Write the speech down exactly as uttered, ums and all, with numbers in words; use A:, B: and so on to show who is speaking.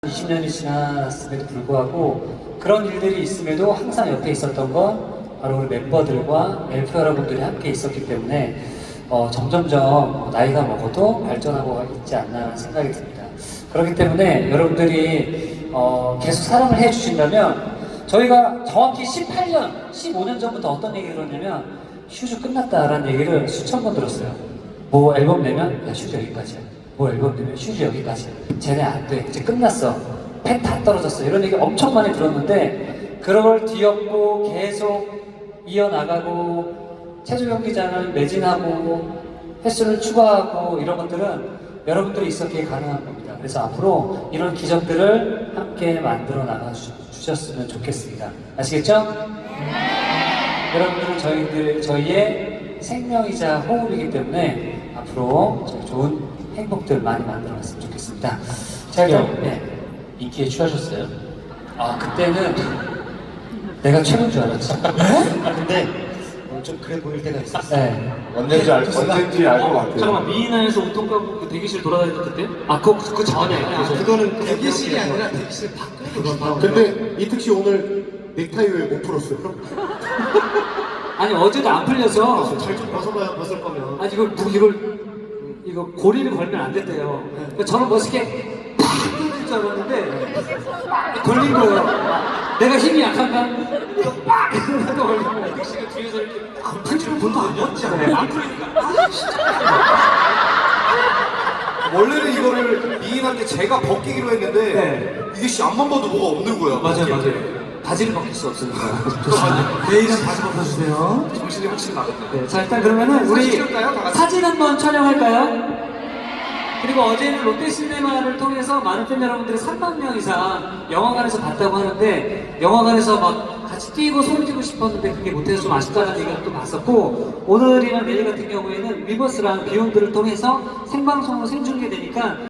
A: 이십 년이 지났음에도 불구하고 그런 일들이 있음에도 항상 옆에 있었던 건 바로 우리 멤버들과 엘프 여러분들이 함께 있었기 때문에 어, 점점점 나이가 먹어도 발전하고 있지 않나 생각이 듭니다. 그렇기 때문에 여러분들이 어, 계속 사랑을 해주신다면 저희가 정확히 십팔 년, 십오 년 전부터 어떤 얘기를 들었냐면 슈즈 끝났다라는 얘기를 수천 번 들었어요. 뭐 앨범 내면 야 슈즈 여기까지야. 뭐 앨범 내면 슈즈 여기까지야. 쟤네 안 돼. 이제 끝났어. 팬 다 떨어졌어. 이런 얘기 엄청 많이 들었는데 그런 걸 뒤엎고 계속 이어나가고 체조 경기장을 매진하고 횟수를 추가하고 이런 것들은 여러분들이 있었기에 가능한 겁니다. 그래서 앞으로 이런 기적들을 함께 만들어 나가 주셨으면 좋겠습니다. 아시겠죠? 네. 여러분들은 저희들, 저희의 생명이자 호흡이기 때문에 앞으로 저희 좋은 행복들 많이 만들어 갔으면 좋겠습니다. 자, 그럼 네.
B: 인기에 취하셨어요?
A: 아, 그때는 내가 최고인 줄 알았지.
B: 아 근데 어, 좀 그래 보일 때가 있었어.
A: 네.
C: 언제인지 알, 언제인지 알 것 같아요.
D: 잠깐만, 미인아에서 옷통 까고 그 대기실 돌아다니던 그때? 아 그거 그거 전에
B: 아, 그거는 그냥 대기실이 아니라 대기실 밖에 그건 바로.
C: 근데 이특 씨 오늘 넥타이 왜 못 풀었어요?
D: 아니 어제도 안 풀려서
B: 잘좀 벗어봐야 벗을 거면.
D: 아니 이걸 뭐 이걸 이거 고리를 걸면 안 됐대요. 그러니까 저는 멋있게 팍 뚫릴 줄 알았는데 걸린 거예요. 내가 힘이 약한가? 이거 빡! 이러고 걸리고 택시가 뒤에서 이렇게 안 풀리면 돈도 안 줬지 않아요? 안 풀리니까
E: 원래는 이거를 미인한테 제가 벗기기로 했는데
D: 네.
E: 이게 씨 앞만 봐도 뭐가 없는 거야.
D: 맞아요 맞아요. 바지를 벗길 수 없으니까. 내일은 바지 벗어주세요.
E: 정신이 확실히 나갔네.
D: 네, 자 일단 그러면은 우리
E: 사진 찍을까요? 다 같이?
D: 사진 한번 촬영할까요? 그리고 어제는 롯데시네마를 통해서 많은 팬 여러분들이 삼만 명 이상 영화관에서 봤다고 하는데 영화관에서 막 같이 뛰고 소리 지르고 싶었는데 그게 못해서 좀 아쉽다는 얘기를 또 봤었고 오늘이나 내일 같은 경우에는 위버스랑 비욘드를 통해서 생방송으로 생중계되니까